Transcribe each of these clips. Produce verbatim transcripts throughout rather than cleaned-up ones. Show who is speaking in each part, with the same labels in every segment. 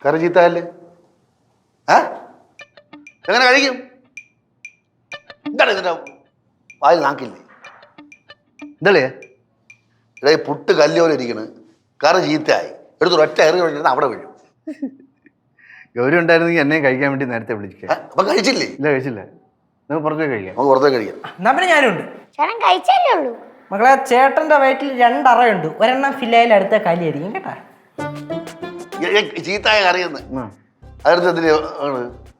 Speaker 1: കറി ചീത്തയല്ലേ? ഏ എങ്ങനെ കഴിക്കും? എന്താണ് ഇതിന്റെ വായിൽ നാക്കില്ലേ? എന്താളേ ഇടേ പുട്ട് കല്ലോലെ ഇരിക്കണ്, കറി ചീത്തയായി, എടുത്ത് ഒറ്റ എറി കഴിഞ്ഞാൽ അവിടെ വീഴും.
Speaker 2: ഗൗരി ഉണ്ടായിരുന്നെങ്കിൽ എന്നെ കഴിക്കാൻ വേണ്ടി നേരത്തെ വിളിക്കുക.
Speaker 1: അപ്പൊ കഴിച്ചില്ലേ?
Speaker 2: ഇല്ല കഴിച്ചില്ല. നമുക്ക് പുറത്തേക്ക് കഴിക്കാം.
Speaker 1: നമുക്ക് പുറത്തേക്ക് കഴിക്കാം.
Speaker 3: എന്നാ പിന്നെ ഞാനുണ്ട്.
Speaker 4: ചേട്ടൻ കഴിച്ചല്ലേ ഉള്ളൂ.
Speaker 3: മകളെ ചേട്ടന്റെ വയറ്റിൽ രണ്ടറയുണ്ട്, ഒരെണ്ണം ഫില്ലയിൽ അടുത്ത കലിയായിരിക്കും കേട്ടാ.
Speaker 1: ചീത്തായ കറിയെന്ന് അതെടുത്ത് എന്തിനാ ആണ്?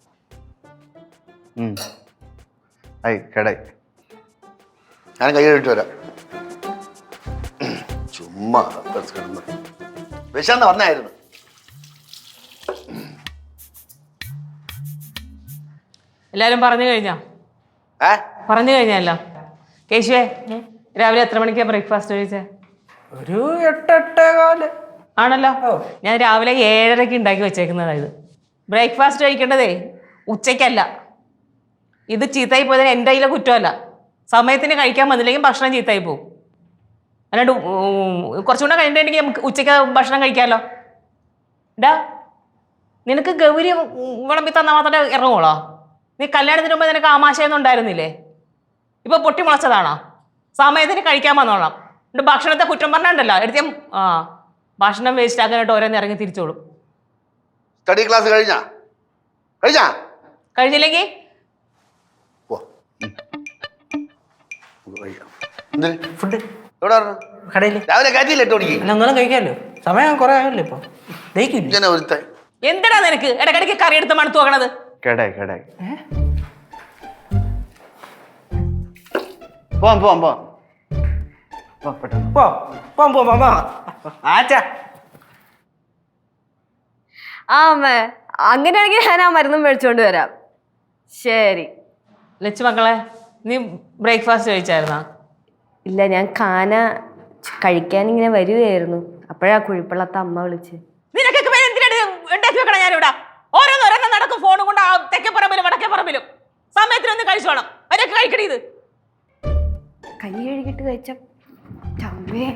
Speaker 2: ആയി കേടായി.
Speaker 1: ഞാൻ കൈ കഴിട്ട് വരാം. ചുമ്മാ കിടന്ന് വിശന്ന് വന്നായിരുന്നു.
Speaker 5: എല്ലാരും പറഞ്ഞു കഴിഞ്ഞോ?
Speaker 1: ഏ
Speaker 5: പറഞ്ഞു കഴിഞ്ഞല്ലോ. കേശുവേ, രാവിലെ എത്ര മണിക്കാ ബ്രേക്ക്ഫാസ്റ്റ് കഴിച്ചേ?
Speaker 3: ഒരു എട്ടെട്ടേ കാല്
Speaker 5: ആണല്ലോ. ഞാൻ രാവിലെ ഏഴരയ്ക്ക് ഉണ്ടാക്കി വെച്ചേക്കുന്നതായത്. ബ്രേക്ക്ഫാസ്റ്റ് കഴിക്കേണ്ടതേ ഉച്ചയ്ക്കല്ല. ഇത് ചീത്തയായി പോയതിന് എൻ്റെ കയ്യിലെ കുറ്റമല്ല. സമയത്തിന് കഴിക്കാൻ വന്നില്ലെങ്കിൽ ഭക്ഷണം ചീത്തയായി പോകും. അല്ലാണ്ട് കുറച്ചുകൂടെ കഴിഞ്ഞിട്ടുണ്ടെങ്കിൽ നമുക്ക് ഉച്ചയ്ക്ക് ഭക്ഷണം കഴിക്കാമല്ലോ. ഡാ, നിനക്ക് ഗൗരി വിളമ്പി തന്നാൽ മാത്രമേ ഇറങ്ങുള്ളോ? നീ കല്യാണത്തിന് മുമ്പ് നിനക്ക് ആമാശയൊന്നും ഉണ്ടായിരുന്നില്ലേ? ഇപ്പൊ പൊട്ടി മുളച്ചതാണോ? സമയത്തിന് കഴിക്കാൻ വന്നോളാം. എന്നിട്ട് ഭക്ഷണത്തെ കുറ്റം പറഞ്ഞിട്ടുണ്ടല്ലോ എടുത്ത ആ ഭക്ഷണം വേസ്റ്റ് ആക്കാനായിട്ട് ഓരോന്ന് ഇറങ്ങി തിരിച്ചോളും.
Speaker 1: സ്റ്റഡി ക്ലാസ് കഴിഞ്ഞാ കഴിഞ്ഞാ
Speaker 5: കഴിഞ്ഞില്ലെങ്കിൽ
Speaker 3: ഫുഡ്
Speaker 1: എവിടെ
Speaker 3: കടയിൽ
Speaker 1: രാവിലെ കയറ്റിയില്ല എട്ട് മണിക്ക്.
Speaker 3: നിങ്ങളും കഴിക്കാമല്ലോ, സമയം കുറെ ആയല്ലോ ഇപ്പൊ. ദഹിക്കില്ല
Speaker 1: ഒരുത്ത
Speaker 5: എന്തിനാ നിനക്ക് ഇടയ്ക്കിടയ്ക്ക് കറി എടുത്ത് മണത്ത് നോക്കണത്?
Speaker 2: കേടായി കേടായി. പോവാം പോവാം പോവാം പെട്ടെന്ന്
Speaker 3: പോ പോ പോ പോ ആച്ചാ.
Speaker 6: ആ അമ്മ, അങ്ങനെയാണെങ്കിൽ ഞാൻ ആ മരുന്നും മേടിച്ചോണ്ട് വരാം. ശരി.
Speaker 5: ലച്ചു മക്കളെ, നീ ബ്രേക്ക്ഫാസ്റ്റ് കഴിച്ചായിരുന്നാ?
Speaker 6: ഇല്ല, ഞാൻ കാന കഴിക്കാൻ ഇങ്ങനെ വരുകയായിരുന്നു, അപ്പോഴാ കുഴിപ്പള്ളത്തെ അമ്മ വിളിച്ച്.
Speaker 5: നിനക്കൊക്കെ പേര് എന്തിനാണ് ഉണ്ടാക്കി വെക്കണം? ഞാനിവിടെ ഓരോന്നോരോന്നും നടക്കും ഫോണും കൊണ്ട് തെക്കേ പറമ്പിലും വടക്കേ പറമ്പിലും. സമയത്തിനൊന്ന് കഴിച്ചു വേണം അവരൊക്കെ കഴിക്കണേ. ഇത്
Speaker 6: കൈ കഴുകിട്ട് കഴിച്ച ചമ്മേ.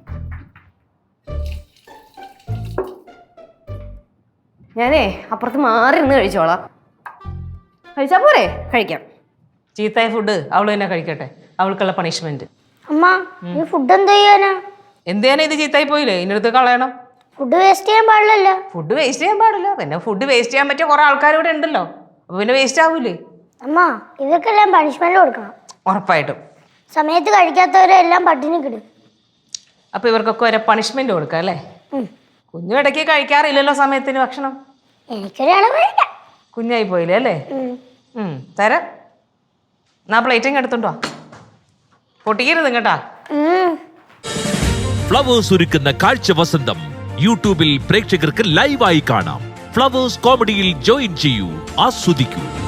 Speaker 6: ഞാനേ അപ്പുറത്ത് മാറി നിന്ന് കഴിച്ചോളാം. കഴിച്ചാ പോരെ? കഴിക്കാം.
Speaker 5: ചീത്തായ ഫുഡ് അവള് തന്നെ കഴിക്കട്ടെ, അവൾക്കുള്ള പണിഷ്മെന്റ്.
Speaker 4: അമ്മ, ഈ ഫുഡ് എന്ത് ചെയ്യാനാ?
Speaker 5: എന്ത് ചെയ്യാനാ? ഇത് ചീത്തായി പോയില്ലേ, ഇതിനടുത്ത് കളയണം.
Speaker 4: ഫുഡ് വേസ്റ്റ് ചെയ്യാൻ പാടില്ലല്ലോ.
Speaker 5: ഫുഡ് വേസ്റ്റ് ചെയ്യാൻ പാടില്ല. പിന്നെ ഫുഡ് വേസ്റ്റ് ചെയ്യാൻ പറ്റിയ കുറെ ആൾക്കാർ ഇവിടെ ഉണ്ടല്ലോ, അപ്പൊ പിന്നെ വേസ്റ്റ് ആവൂലേ?
Speaker 4: അമ്മ, ഇവർക്കെല്ലാം പണിഷ്മെന്റ് കൊടുക്കണം.
Speaker 5: ഉറപ്പായിട്ടും.
Speaker 4: സമയത്ത് കഴിക്കാത്തവരെല്ലാം പട്ടിണി കിടും.
Speaker 5: അപ്പൊ ഇവർക്കൊക്കെ ഒരു പണിഷ്മെന്റ് കൊടുക്കാം അല്ലേ? കുഞ്ഞു ഇടയ്ക്ക് കഴിക്കാറില്ലല്ലോ സമയത്തിന് ഭക്ഷണം.
Speaker 4: എനിക്കൊരാളെ കഴിക്കാം.
Speaker 5: കുഞ്ഞായി പോയില്ലേ അല്ലേ? ഉം തരാം. എന്നാ പ്ലേറ്റിങ് എടുത്തുണ്ടോ? പൊട്ടിക്കരുത് കേട്ടാ.
Speaker 7: ഫ്ലവേഴ്സ് ഒരുക്കുന്ന കാഴ്ച വസന്തം യൂട്യൂബിൽ പ്രേക്ഷകർക്ക് ലൈവായി കാണാം. ഫ്ലവേഴ്സ് കോമഡിയിൽ ജോയിൻ ചെയ്യൂ, ആസ്വദിക്കൂ.